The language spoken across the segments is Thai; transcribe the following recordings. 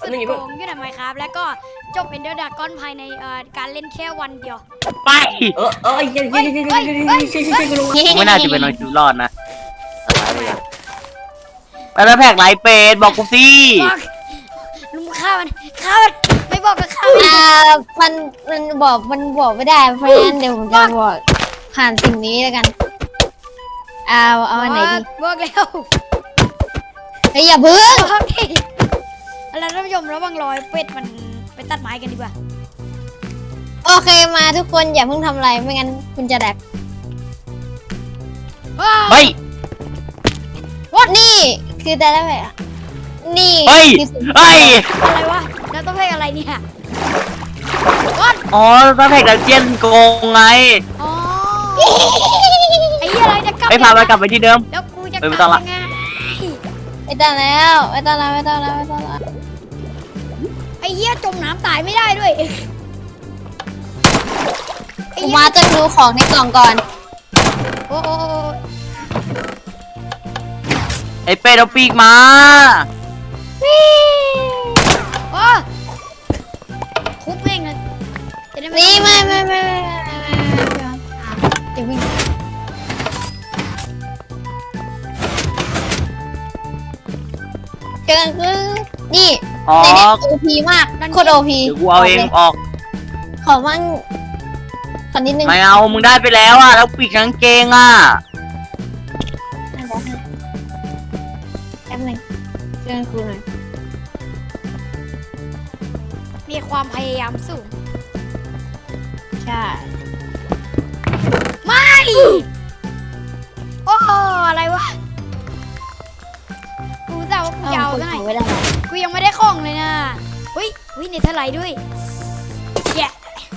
นึงอีกโกเพิ่งงอยู่ในไมค์ครับแล้วก็จบเอนเดอร์ดากอนภายในการเล่นแค่วันเดียวไปยังช่วยกูลงกูไม่น่าจะเป็นน้องชูรอดนะแล้วแพกไลฟ์เป็ดบอกกูสิบอกลุงฆ่ามันไม่บอกก็ฆ่ามันมันบอกไม่ได้เพราะงั้นเดี๋ยวผมจะบอกผ่านสิ่งนี้แล้วกันเอาอันไหนดีบอกแล้วเฮ้ยอย่าพึ่งบอกดิแล้วท่านผู้ชมระวังรอยเป็ดมันไปตัดไม้กันดีกว่าโอเคมาทุกคนอย่าเพิ่งทำอะไรไม่งั้นคุณจะแดกเฮ้ยนี่คือแต่ละแบบนี่เฮ้ยคือสิ่งเฮ้ยอะไรวะแล้วต้องเพลงอะไรเนี่ยก้อนอ๋อแล้วแพกดันเจียนโกงไงอ๋อไอ้เหี้ยอะไรจะกลับไปพามันกลับไปที่เดิมแล้วกูจะกไม่ลับต้องละยังไงไม่ต้องแล้วไม่ต้องแล้วไอ้เหี้ยจมน้ำตายไม่ได้ด้วยไอ้ผมเหี้ยมาจะดูของในกล่องก่อนโอ้ไอ้เป็ดเอาปีกมาโอ้ทุบแม่งเลยจะได้ไม่นี่ไม่จะวิ่งเจอกันคือนี่อ๋อในนี้โอพีมากโคตรโอพีเดี๋ยวกูเอาเองออกขอมั่งขอนิดนึงไม่เอามึงได้ไปแล้วอ่ะแล้วปีกกางเกงอ่ะแป๊บนึงเจอกันครูหน่อยมีความพยายามสูงใช่ไม่โอ้อะไรวะกูจะเอากูยาวคนซะหน่อยไว้ได้ไหมกูยังไม่ได้ของเลยนะอุ้ยเนเธอร์ไลท์ด้วยแย่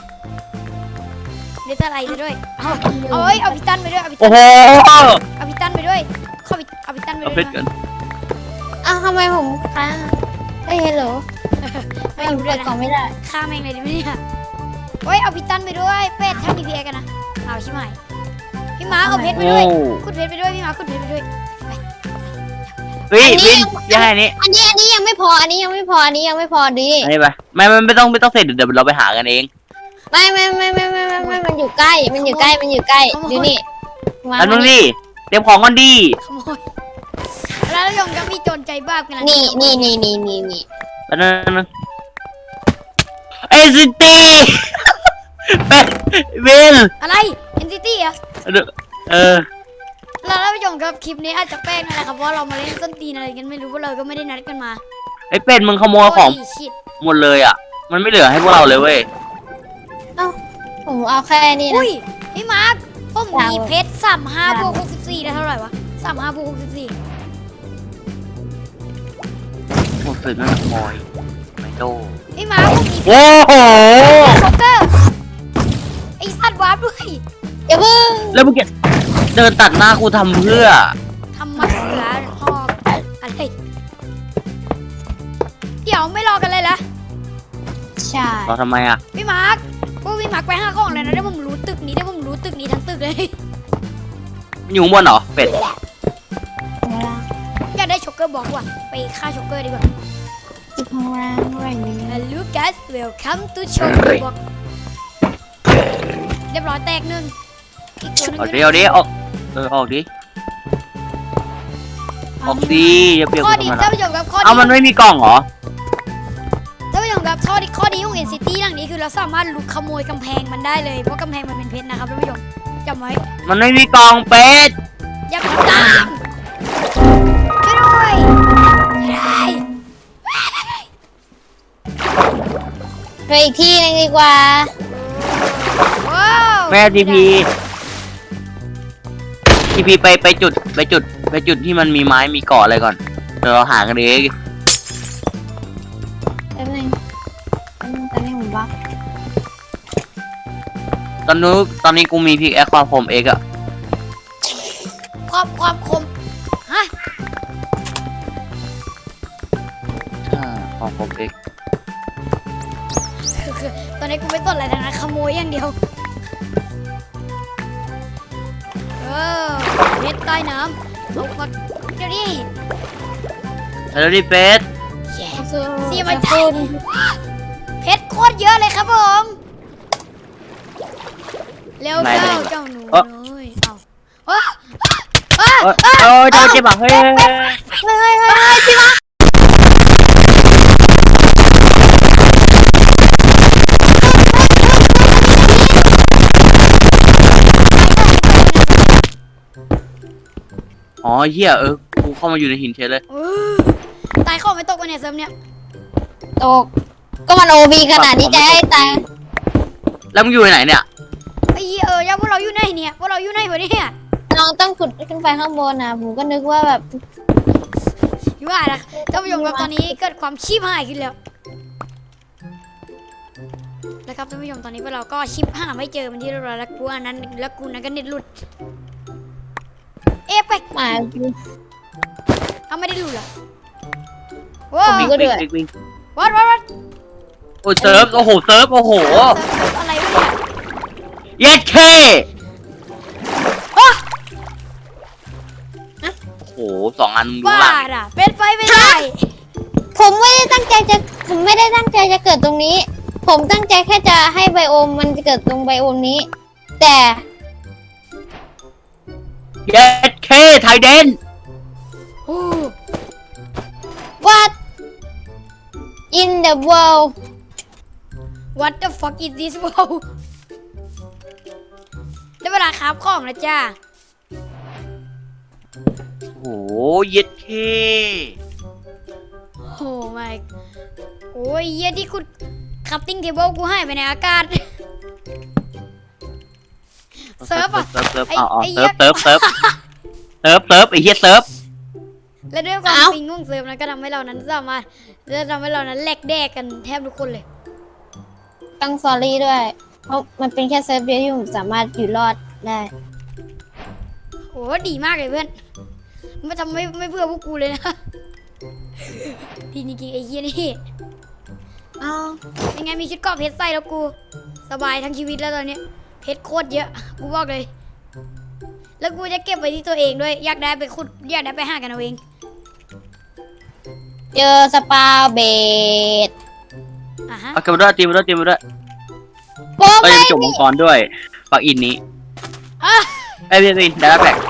เนเธอร์ไลท์ไปด้วยเอาพิตันไปด้วยเอาพิตัโอ้นโหเอาพิตันไปด้วยเอาพิตันไปเอาด้เพวยชรกันอ้าวทำไมผมค้างเฮ้ยฮัลโหลไม่รู้เปิด้วยดนะกล่องไม่ได้ฆ่าแม่งเลยดิไม่เนี่ยเฮ้ยเอาพิตันไปด้วยเป็ดถ้ามีเพียกันนะเอาชิบหายพี่ม้าเอาเพชรไปโอ้ด้วยขุดเพชรไปด้วยพี่ม้าขุดเพชรไปด้วยเฮ้ยวินยังไงนี่อันนี้ยังไม่พออันนี้ยังไม่พอดีอันนี้ไปไม่ต้องเสร็จเดี๋ยวเราไปหากันเองไม่มันอยู่ใกล้ดูนี่มาแล้วนึงดิเตรียมของก่อนดิขโมยแล้วยงก็มีโจรใจบ้ากันนะนี่แล้วนั่นเอซิตี้เป็นวินอะไร NCT อ่ะเออแล้วท่านผู้ชมครับคลิปนี้อาจจะแป้งนั่นแหละครับเพราะว่าเรามาเล่นส้นตีนอะไรกันไม่รู้ว่าเราก็ไม่ได้นัดกันมาไอ้เป็ดมึงขโมยของโยชิตหมดเลยอ่ะ มันไม่เหลือให้พวกเราเลยเว้ยผมเอาแค่นี้นะอุ้ยพี่มาร์คผมมีเพชร35บวก64ได้เท่าไหร่วะ35บวก64 หมดเลยไม่ขโมยไม่โตพี่มาร์คผมมีโอ้โหช็อกเกอร์ไอ้สัตว์วาร์ปด้วยอย่าเพิ่งแล้วเมื่อกี้เดินตัดหน้ากูทำเพื่อทำมาเสือหอกอะไรเดี๋ยวไม่รอกันเลยละใช่เราทำไมอ่ะพี่มาร์คพวกพี่มาร์คไปห้าของเลยนะได้ผมรู้ตึกนี้ได้ผมรู้ตึกนี้ทั้งตึกเลยมันอยู่ข้างบนเหรอ เป็ดอยากได้ช็อกเกอร์บอกว่ะไปฆ่าช็อกเกอร์ดีกว่าจุดข้างล่างอะไรนี้ Hello guys welcome toช็อกเกอร์บอกเรียบร้อยแตกหนึ่งอีกตัวหนึงเอาดิเอาดิออกออกดิออกดิอย่าเปลี่ยนข้อกูดีทำไมท่านล่ะผู้ชมครับข้อดีเอามันไม่มีกล่องเหรอท่านผู้ชมครับข้อดีของ NCT หลังนี้คือเราสามารถลุกขโมยกำแพงมันได้เลยเพราะกำแพงมันเป็นเพชรนะครับท่านผู้ชมจำไว้มันไม่มีกล่องเป็ดอย่าทำตามช่วยด้วยช่วยด้วยไปอีกที่นึงดีกว่าว้าวแม่ทีพีไปจุดที่มันมีไม้มีเกาะอะไรก่อนเดี๋ยวเราหากันเองแป๊บนึงตอนนี้ผมบักตอนนี้กูมีพิกแอคความคมเอกอะความคมฮะความคมเอกคือตอนนี้กูไม่สนอะไรทั้งนั้นขโมยอย่างเดียวเพชรใต้น้ำเอามาเดี๋ยวนี้แล้วดิเป็ดแย่ซื้อซีอย่ามาจับเพชรโคตรเยอะเลยครับผมเร็วเข้าเจ้าหนูน้อยเอาโอ้ยเจ้าเจ็บอ่ะเฮ้ยพี่มาอ๋อเหี้ยกูเข้ามาอยู่ในหินเฉยเลยตายเข้าไม่ตกวันเนี่ยเซิร์ฟเนี่ยตกก็มันโอบีขนาดนี้จะให้ตายแล้วมึงอยู่ไหนเนี่ยไอ้ย่าพวกเราอยู่ไหนเนี่ยพวกเราอยู่ไหนวะเนี่ยน้องต้องขุดขึ้นไปข้างบนนะผมก็นึกว่าแบบอยู่ว่านะท่านผู้ชมครับตอนนี้เกิดความชีพหายขึ้นแล้วนะครับท่านผู้ชมตอนนี้พวกเราก็ชิปหาไม่เจอมันที่เรียบร้อยแล้วกูอันนั้นแล้วกูนั้นก็เน็ตหลุดไปหมาเอาไม่ได้หลุดเหรอว้าววิ่งก็เดือดวิ่งวัดโอ้ยเซิร์ฟโอ้โหเซิร์ฟโอ้โหอะไรวะเนี่ยเย็ดเคโอ้โห2 อันมึงรู้บ้าล่ะอ่ะเป็นไฟไม่ได้ผมไม่ได้ตั้งใจจะเกิดตรงนี้ ผมตั้งใจแค่จะให้ไบโอมมันจะเกิดตรงไบโอมนี้ แต่เย็ดเคไทยเดนโอ้ what in the world What the fuck is this ว้าวได้เวลาคราฟของแล้วจ้าโอ้โหเย็ดเคโอ้ไม่โอ้ยเยี่ยที่คุณคัพติ้งเทเบิลกูให้ไปในอากาศ เซิร์ฟอ่ะเซิร์ฟไอ้เอาไอ้เซิร์ฟไอ้เหี้ยเซิร์ฟและด้วยความปิงของเซิร์ฟนั้นก็ทำให้เรานั้นสามารถแหลกแดกกันแทบทุกคนเลยต้องซอรี่ด้วย เพราะมันเป็นแค่เซิร์ฟเดียวที่ผมสามารถอยู่รอดได้โอ้ดีมากเลยเพื่อนมันทำไม่เพื่อพวกกูเลยนะ ดีจริงๆไอ้เหี้ยนี่อ้าวยังไงมีชุดเกราะเพชรใส่แล้วกูสบายทั้งชีวิตแล้วตอนนี้เพชรโคตรเยอะกูบอกเลย แล้วกูจะเก็บไว้ที่ตัวเองด้วยอยากได้ไปขุดอยากได้ไปหากันเอาเองเจอสปาเบดอ่ะฮะเอาเก็บมาด้วยตีมาด้วยโอ้เราไม่จะจบมังกรด้วยปักอินนี้อ่ะไอ้พี่ได้แล้วแบก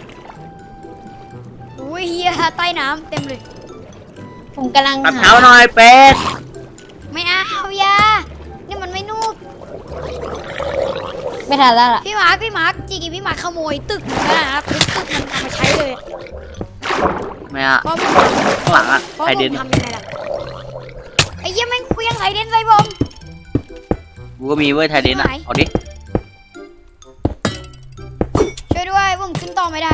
โอ้ยเฮียใต้น้ำเต็มเลยผมกำลังตัดหาเท้าหน่อยเป็ดไม่เอาอยานี่มันไม่นูบไม่ทันแล้วล่ะพี่มาร์คจริงๆพี่มาร์คขโมยตึกเหมือนกันนะครับตึกมันเอามาใช้เลยไม่อะเพราะข้างหลังอะเพราะไทยผเดนมทำยังไงล่ะไอ้เหี้ยแม่งเคลี้ยงไทยเดนใส่ผมกูก็มีเว้ยไทยเดนอะไหนเอาดิช่วยด้วยผมขึ้นต่อไม่ได้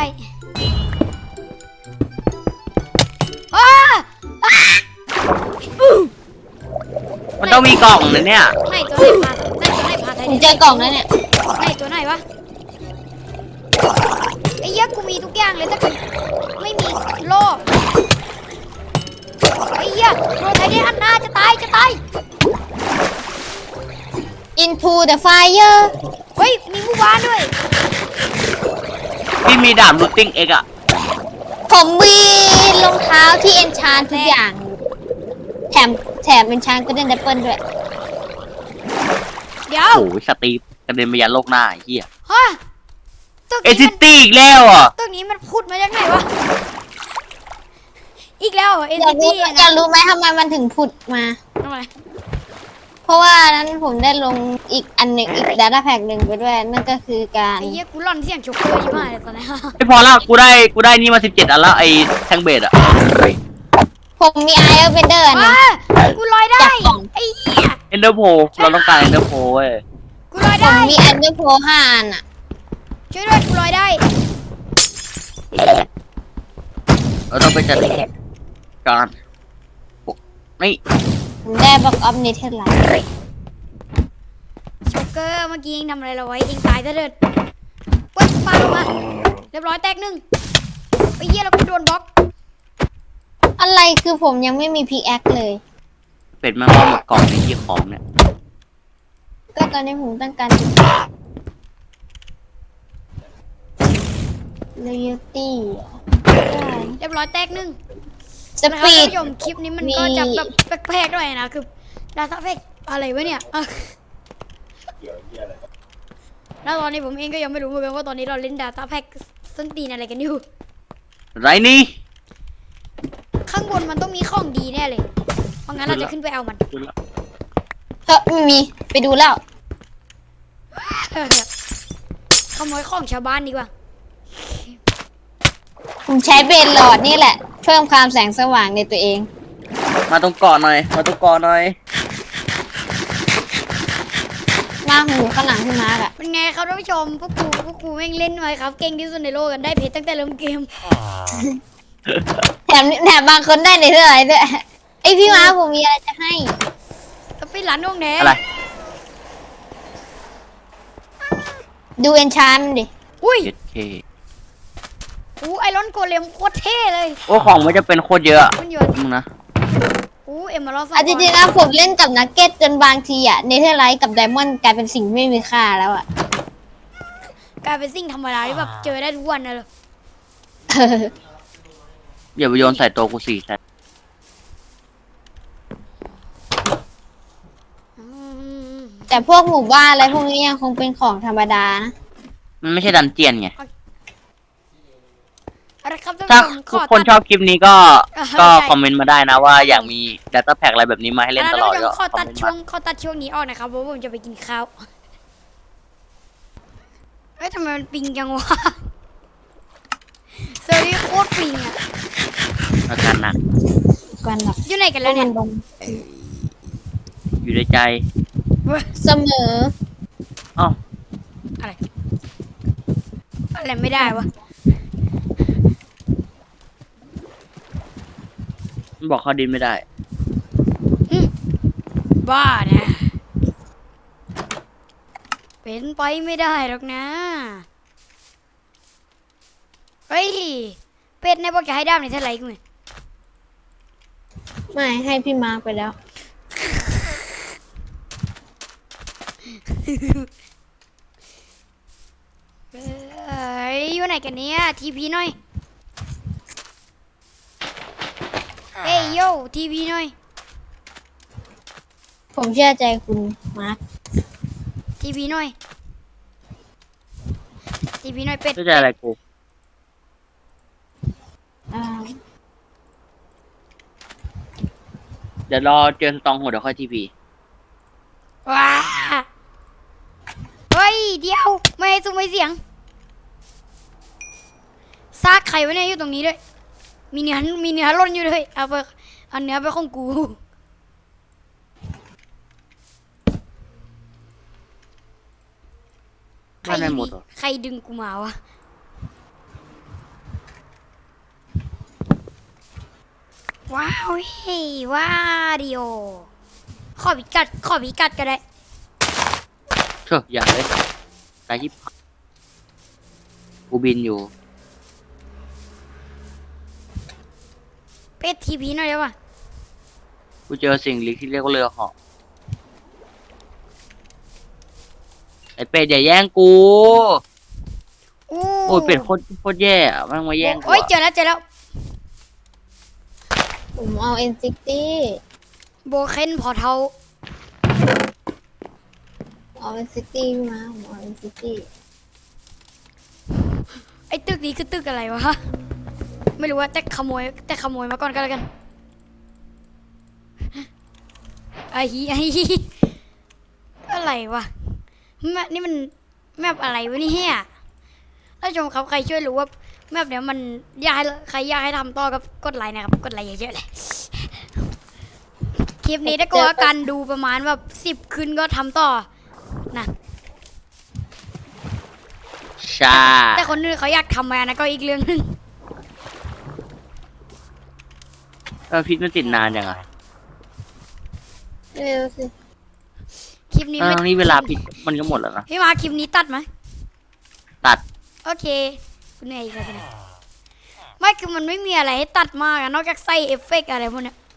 อ้ามันต้องมีกล่องนะเนี่ยไหนตัวไหนพาไทยผเดมนเจอกล่องแล้วเนี่ยไหนตัวไหนวะไอ้เหี้ยกูมีทุกอย่างเลยแต่กูไม่มีโล่ไอ้เหี้ยโดนไทยเดนอันหน้าจะตาย into the fire เฮ้ยมีหมู่บ้านด้วยพี่มีดาบรูทติ้งเอ็กอะผมมีรองเท้าที่เอนชานทุกอย่าง แถมเอนชานก็เด่นดับเบิลด้วยเดี๋ยวโอ้ยสตีฟกระเด็นไปยันโลกหน้าไอ้เหี้ยฮะตึกเอนี้ซิมันตี้อีกแล้วอ่ะตึกนี้มันพูดมาจากไหนวะอีกแล้วเอ็นอยากรู้ตี้อยานะกรู้ไหมทำไมมันถึงผุดมาทำไมเพราะว่านั้นผมได้ลงอีกอันหนึ่งอีก data pack หนึ่งไปด้วย นั่นก็คือการไอ้เหี้ยกูหล่อนเสียงโชกเกอร์อยู่มากเลยตอนนี้ไม่พอแล้วกูได้นี่มา17 อันแล้วไอ้แทงเบดอะผมมี Iron Bender อันหนึงว้ากูลอยได้จากกล่องไอ้เหี้ยเอนเดอร์โพเราต้องการเอนเดอร์โพเว้ยกูลอยผมได้มี Ender Pro 5 อันอ่ะช่วยด้วยกูลอยได้เราต้องไปจัดการนี่ผมได้ Box of Nether Light โชกเกอร์เมื่อกี้เองทำอะไรเราไว้เองตายซะเถิดปุ๊บปาลงมาเรียบร้อยแตกหนึ่งไอ้เหี้ยเรากูโดนบล็อกอะไรคือผมยังไม่มี pickaxe เลยเป็ดมันว่าหมดกล่องในที่ของเนี่ยก็ตอนนี้ผมต้องการ loyalty ได้เรียบร้อยแตกหนึ่งสนะคปี ดรับท่านผู้ชมคลิปนี้มันก็จะแบบแปลกๆหน่อยนะคือดาต้าแพ็กอะไรวะเนี่ยอ่ะแล้วตอนนี้ผมเองก็ยังไม่รู้เหมือนกันว่าตอนนี้เราเล่นดาต้าแพ็กส้นตีนอะไรกันอยู่ไรนี่ข้างบนมันต้องมีของดีแน่เลยเพราะงั้นเราจะขึ้นไปเอามันเฮ้ยไม่มีไปดูแล้วขโมยของชาวบ้านดีกว่าผมใช้เบนหลอดนี่แหละ เพิ่มความแสงสว่างในตัวเองมาตรงเกาะหน่อย มาตรงเกาะหน่อยมาหูข้างหลังพี่มาร์กอะเป็นไงครับท่านผู้ชมพวกกูแม่งเล่นไว้ครับเก่งที่สุดในโลกกันได้เพชรตั้งแต่เริ่มเกมแถมบางคนได้ในเท่าไหร่ด้วยไอยพี่มาร์กผมมีอะไรจะให้สปินหลันวงแหนอะไรดูเอนชานดิอุ้ย 7K ไอรอนโกเลมโคตรเท่เลยโอ้ของมันจะเป็นโคตรเยอะอะมันอยู่มึงนะเอ็มมาลอสอ่ะจริงๆนะผมเล่นกับนักเก็ตจนบางทีอะเนเธอร์ไลท์กับไดมอนด์กลายเป็นสิ่งไม่มีค่าแล้วอะกลายเป็นสิ่งธรรมดาที่แบบเจอได้ทุกวันนะเลยอย่าไปโยนใส่ตัวกูสิใส่แต่พวกหมู่บ้านอะไรพวกนี้ยังคงเป็นของธรรมดานะมันไม่ใช่ดันเจียนไงอะไรครับท่านถ้าผู้ชมทุกคนชอบคลิปนี้ก็ คอมเมนต์มาได้นะว่าอยากมี Data Pack อะไรแบบนี้มาให้เล่นตลอดก็ขอคอมตัดเมนต์ช่วมางขอตัดช่วงนี้ออกนะครับเพราะว่าผมจะไปกินข้าวเฮ้ยทำไมมันปิงจังวะเซอร์วิสโคตรปิงอะอาการหนักกันหรอกอยู่ไหนกันแล้วเนี่ยอยู่ในใจเสมออ้าวอะไรไม่ได้วะมันบอกเขาดินไม่ได้บ้านะเป็นไปไม่ได้หรอกนะเฮ้ยเป็ดในบอกจะให้ด้ามในเท่าไหร่กูเนี่ยไม่ให้พี่มาร์กไปแล้วอยู่ไหนกันเนี่ยทีพีหน่อยเฮ้ยโย่ทีพีหน่อยผมเชื่อใจคุณมาร์กทีพีหน่อยทีพีหน่อยเป็ดเข้าใจอะไรกูอ่าเดี๋ยวรอเจอสตองโหดเดี๋ยวค่อยทีพีว้าเฮ้ยเดี๋ยวไม่ให้ซุ้มไม่เสียงซากไข่ไว้เนี่ยอยู่ตรงนี้ด้วยมีเนื้อล่นอยู่เลยเอาเนื้อไปของกูไม่ได้หมดหรอใครดึงกูมาวะว้าวเฮ้ยว้าดิโอขอพิกัดก็ได้เชอะอย่าเลยตายยิบกูบินอยู่เป็ดทีพีหน่อยได้ปะกูเจอสิ่งลี้ที่เรียกว่าเรือเหาะไอเป็ดอย่าแย่งกู โอ้ยเป็ดโคตรแย่อะมันมาแย่งกูโอ้ยอะเจอแล้วผมเอา N60 โบเคนพอเทาเอา N60 พี่มาผมเอา N60 ไอ้ตึกนี้คือตึกอะไรวะไม่รู้ว่าแต่ขโมยมาก่อนก็แล้วกันไอ้อะไรวะนี่มันแมปอะไรวะเนี่ยท่านผู้ชมครับใครช่วยรู้ว่าแมปเนี้ยมันใครอยากให้ทำต่อกับกดไลค์นะครับกดไลค์เยอะๆเลยคลิปนี้ถ้าก็กันดูประมาณแบบ10ขึ้นก็ทำต่อนะใช่แต่คนอื่นเขาอยากทำมานะก็อีกเรื่องหนึงพิษมันติดนานยังไงเร็วสิคลิปนี้ไม่ทั้งนี้เวลาพิษมันก็หมดแล้วนะพี่มาคลิปนี้ตัดไหมตัดโอเคคุณเหนื่อยอีกแล้วสินะไม่คือมันไม่มีอะไรให้ตัดมากอะนอกจากใส่เอฟเฟกต์อะไรพวกเนี้ย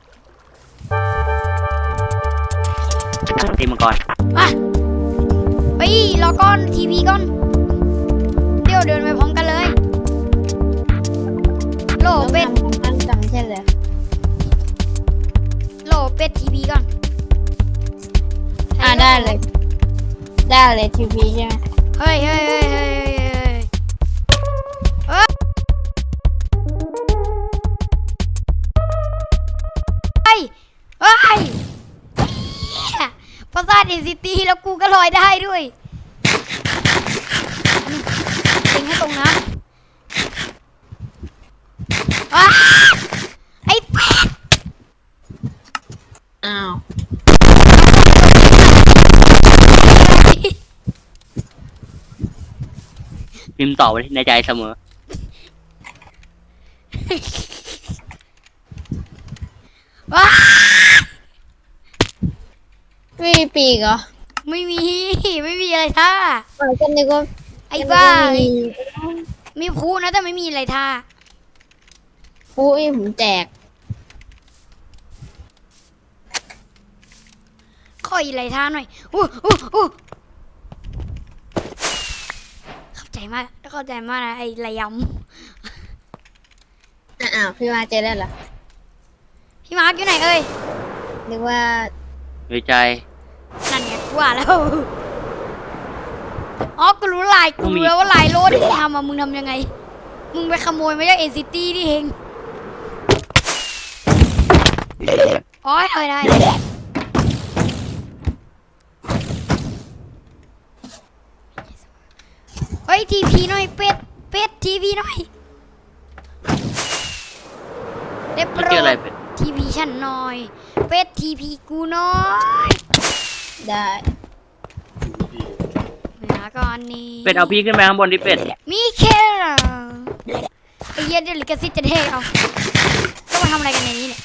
ตีมังกรอ่ะไปรอก่อนทีพีก่อนเดี๋ยวเดินไปพร้อมกันเลยโหลต้องเป็ดทำของท่านจำใช่เลยเป็ดทีพีก่อนได้เลย ได้เลยทีวีใช่ไหมเฮ้ยเฮ้ยเฮ้ยเฮ้ยเฮ้ยเฮ้ยเฮ้ยปราสาทอินซิตี้แล้วกูก็ลอยได้ด้วยเองให้ตรงนะอ้าไอ้เป็ดอ้าวพิมพ์ต่อไว้ในใจเสมอว้าไม่มีปีกเหรอไม่มีไม่มีอะไรท่าก็นึกว่าไอ้บ้ามีมีพูนะแต่ไม่มีอะไรท่าอุ้ยผมแจกขออีกอะไรท่าหน่อยอู้เข้าใจมากนะไอ้ระยอ้าวพี่มาเจอได้เหรอำพี่มาร์กอยู่ไหนเอ้ยนึกว่าในใจนั่นไงกูว่าแล้วอ๋อกูรู้แล้วว่าลายโลดที่มึงทำอะมึงทำยังไงมึงไปขโมยมาจากเอซิตี้นี่เองอ๋อได้เฮ้ยทีพีหน่อยเป็ดทีพีหน่อยได้โปไม่รเจออะไรดเป็ดทีพีฉันหน่อยเป็ดทีพีกูหน่อยได้เหนือก่อนนี้เป็ดเอาพี่ขึ้นไปข้างบนดิเป็ดมีแค่ไอ้เหี้ยเดลิกาซิตจะเท่เอาต้องมาทำอะไรกันในนี้เนี่ย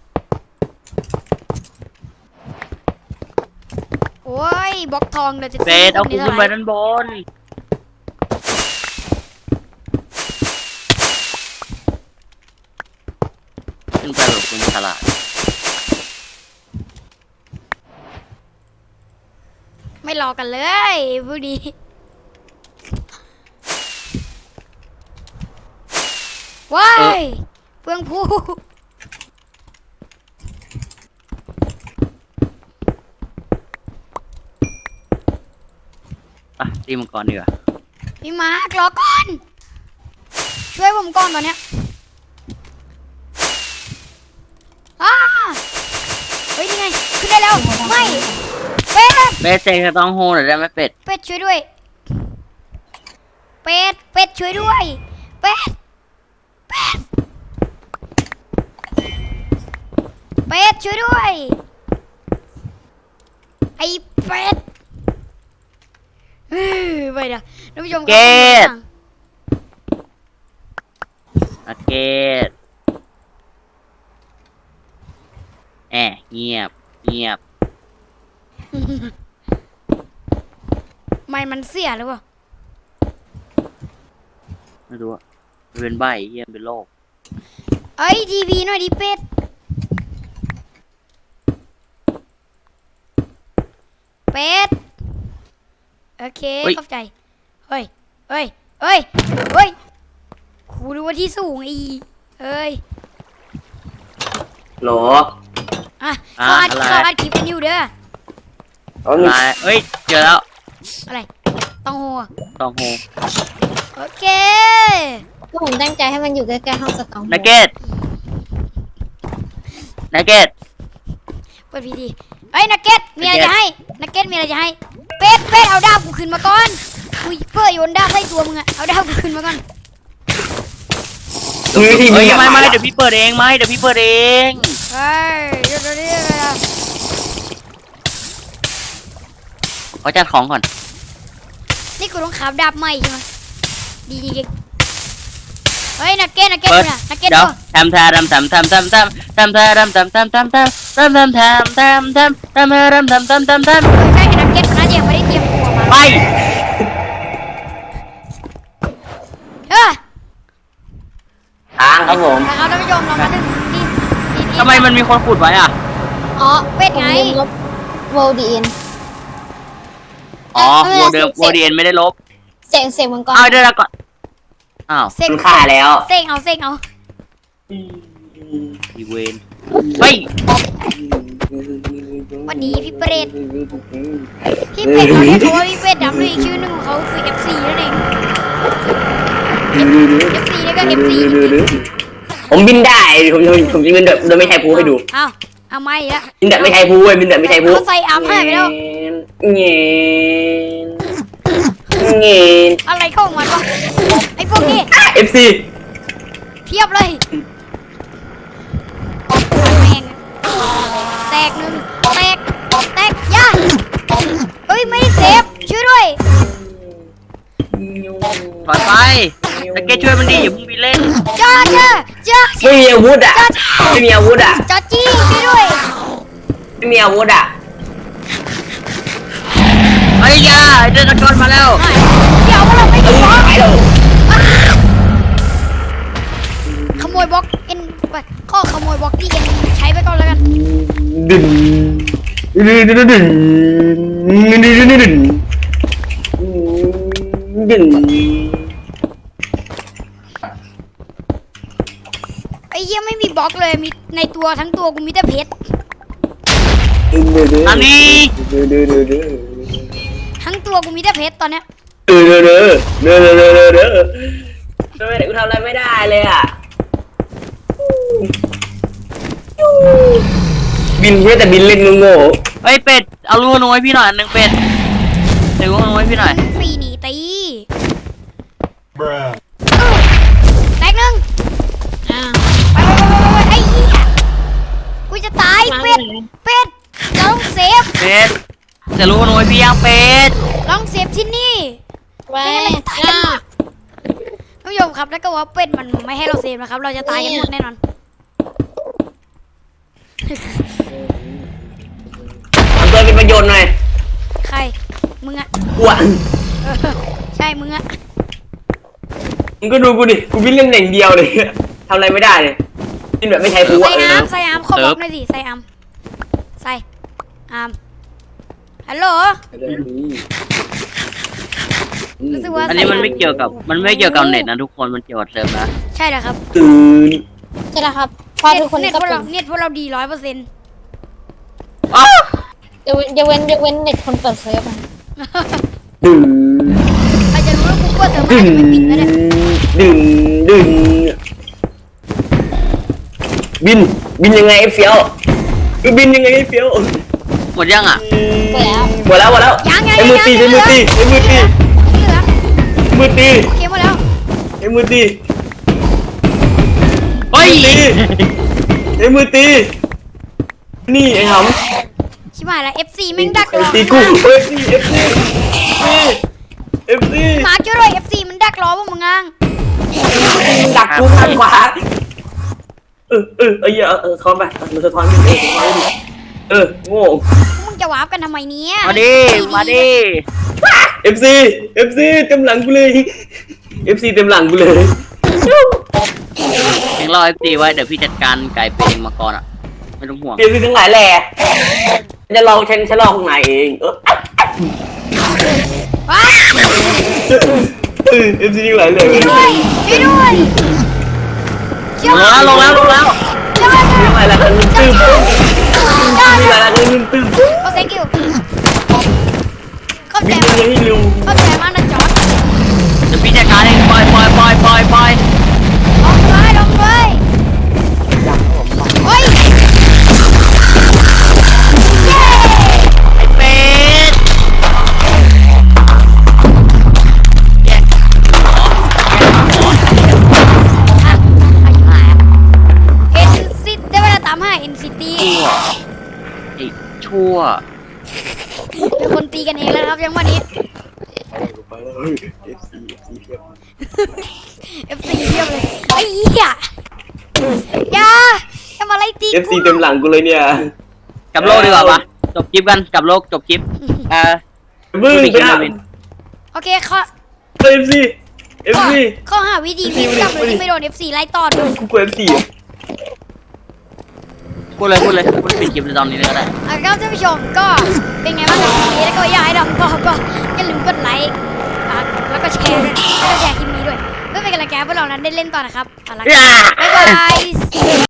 โอ้ยบล็อกทองเดี๋ยวจะเป็ดเอาซื้ขึ้นไปด้านบนขึ้นไปแบบคุณฉลาดไม่รอกันเลยพวกนี้ว้ายเพื่องผู้อ่ะตีมังกรดีกว่าพี่มาร์ครอก่อนช่วยผมก่อนตอนเนี้ยอ้าเฮ้ยนี่ไงขึ้นได้แล้วไม่เป็ดเป็ดเซ็งจะต้องโฮหน่อยได้ไหมเป็ดเป็ดช่วยด้วยเป็ดช่วยด้วยเป็ดช่วยด้วยไอ้เป็ดไปเดี๋ยวท่านผู้ชมครับนักเก็ตเงียบมันเสียหรือเปล่าไม่รู้อะมันเป็นใบเฮียเป็นโรคเอ้ยทีวีหน่อยดิเป็ดโอเคเข้าใจเฮ้ยครูรู้ว่าที่สูงอีเอ้ยโหลอ่ะเขาอัดคลิปกันอยู่เด้ออะไรเอ้ยเจอแล้วอะไรต้องโหต้องโฮโอเคก็ผมตั้งใจให้มันอยู่ใกล้ๆห้องสตองนักเก็ตเปิดพีดีเอ้ยนักเก็ตมีอะไรจะให้นักเก็ตมีอะไรจะให้เป็ดเอาดาบกูขึ้นมาก่อนกูเพื่อโยนดาบใส่ตัวมึงอะเอาดาบกูขึ้นมาก่อนมีวิธีเฮ้ยนี้ไม่เดี๋ยวพี่เปิดเองเดี๋ยวพี่เปิดเองเฮ้ยเดี๋ยวนี้อะไรอะเขาจัดของก่อนนี่กูต้องขับดาบใหม่ใช่ไหมดีเฮ้ยนักเก็ตดูนะนักเก็ตเดี๋ยวดูทำใช่นักเก็ตน่าจะยังไม่ได้เตรียมตัวมาไปทางครับผมนะครับท่านผู้ชมเรามาถึงนี่ทำไมมันมีคนขุดไว้อ่ะอ๋อเป็ดไงผมลืมลบโวดีนอ๋อโวเดียนไม่ได้ลบเสียงมังกรเอาเดี๋ยวก่อนอ้าวเซ็งคุณค่าแล้วเซ็งเอาอีเวนเฮ้ยวันนี้พี่เปรตพี่เป็ดเขาเรียกเขาว่าพี่เป็ดดำด้วยอีกชื่อหนึ่งของเขาคือ FC นั่นเอง FC นี่ก็ FC ผมบินได้ผมจะบินแบบโดยไม่ใช้ภูให้ดูเอาไม่ละบินแบบไม่ใช้ภูเว้ยบินแบบไม่ใช้ภูเขาใส่อาร์มให้ไปแล้วเงี้ยเงี้ยอะไรเข้าของมันวะไอ้พวกนี้ FC เพียบเลยแม่งแตกหนึ่งแตกย่าเฮ้ยไม่ได้เซฟช่วยด้วยถอยไปแต่แกช่วยมันดิอย่าเพิ่งไปเล่นจ้าไม่มีอาวุธอ่ะไม่มีอาวุธอ่ะจ้าจี้ช่วยด้วยไม่มีอาวุธอ่ะเฮ้ยยาไอ้เดินตะกอนมาแล้วเดี๋ยวเราไม่ได้บล็อกไปเลยขโมยบล็อกเอ็นไปข้อขโมยบล็อกที่เอ็นใช้ไปก่อนแล้วกันดึงดึงไอ้เหี้ยไม่มีบล็อกเลยมีในตัวทั้งตัวกูมีแต่เพชรอันนี้ทั้งตัวกูมีแต่เพชรตอนเนี้ยทำไมเด็กกูทำอะไรไม่ได้เลยอ่ะบินเพื่อแต่บินเล่นโง่เฮ้ยเป็ดเอาลูกน้อยพี่หน่อยอันหนึ่งเป็ดเดี๋ยวลูกน้อยพี่หน่อยฟรีหนีตีแตกหนึ่งไปไอ้เหี้ยกูจะตายเป็ดเราต้องเซฟเป็ดจะลูกน้อยพี่ยังเป็ดลองเซฟที่นี่ไว้ท่านผู้ชมครับแล้วก็ว่าเป็ดมันไม่ให้เราเซฟนะครับ เราจะตายกันหมดแน่นอนทำตัวเป็นประโยชน์หน่อยใครมึงอะอ้วนใช่มึงอะมึงก็ดูกูดิกูวิ่งเล่นอย่างเดียวเลยทำอะไรไม่ได้เลยบินแบบไม่ใช้ภูใส่อ่ะอาร์มใส่อาร์มขอบล็อกหน่อยสิใส่อาร์มใส่อาร์มฮัลโหลรู้สึกว่าอันนี้มันไม่เกี่ยวกับเน็ตนะทุกคนมันเกี่ยวกับเซิร์ฟนะใช่เหรอครับตื่นใช่แล้วครับพอทุกคนเน็ตก็พวกเป็เรานเน็ตพวกเราดี100% อ้าวอย่าเว้นเน็ตคนเปิดเซิร์ฟนะดึงใครจะรู้ว่ากูเปิดเซิร์ฟมันไม่ปิดนะเนี่ยดึงบินยังไงไอ้เฟี้ยวบินยังไงไอ้เฟี้ยวหมดยังอ่ะเปิดแล้วหมดแล้วยังไอ้มือตีเหลือมือตีโอเคหมดแล้วไอ้มือตีเฮ้ยไอ้มือตีนี่ไอ้หชิบหายแล้ว FC แม่งดักรอำตีกูเอฟซีมาช่วยด้วย FC มันดักรอพวกมึงอ่ะดักกูข้างขวาทอนไปมันสะท้อนดิโง่พวกมึงจะวาร์ปกันทำไมเนี่ยมาดิเอฟซีเต็มหลังกูเลยเอฟซีเต็มหลังกูเลยยังรอ FC ไว้เดี๋ยวพี่จัดการไก่เป็นเองมาก่อนอ่ะไม่ต้องห่วงเอฟซีทั้งหลายแหล่จะลองฉันลองข้างในเองว้าเอฟซีทั้งหลายแหล่ช่วยด้วยช่วยด้วยลงแล้วทั้งหลายแหล่กันตึ้มทั้งหลายแหล่กันตึ้มโอ้ thank you เข้าใจบินยังให้เร็วเข้าใจมากนะจอร์ดเดี๋ยวพี่จัดการเองปล่อยลองเลยเฮ้ยเย้ไอ้เป็ดแยกอ่ะอายุหายเอ็นซิตได้เวลาตามหาเอ็นซิตี้ชั่วเป็นคนตีกันเองแล้วครับยังวันนี้ FC เทียบเลยไอ้เหี้ยอย่ามาไล่ตีเอฟซีเต็มหลังกูเลยเนี่ยกลับโลกดีกว่าปะจบคลิปกันกลับโลกจบคลิปมึงไปไปนะนะโอเคข้อเอฟซีข้อหาวิธีวิ่งกลับโดยที่ไม่โดน FC ไล่ต่อด้วยกูกลัวเอฟซีพูดเลยปิดคลิปในตอนนี้เลยก็ได้ครับท่านผู้ชมก็เป็นไงบ้างกับคลิปนี้แล้วก็อยากให้ดำก็อย่าลืมกดไลค์แล้วก็แชร์ด้วยแล้วก็แชร์คลิปนี้ด้วยเพื่อเป็นกำลังใจให้พวกเรานั้นได้เล่นต่อนะครับเอาละ Yeah. บ๊ายบาย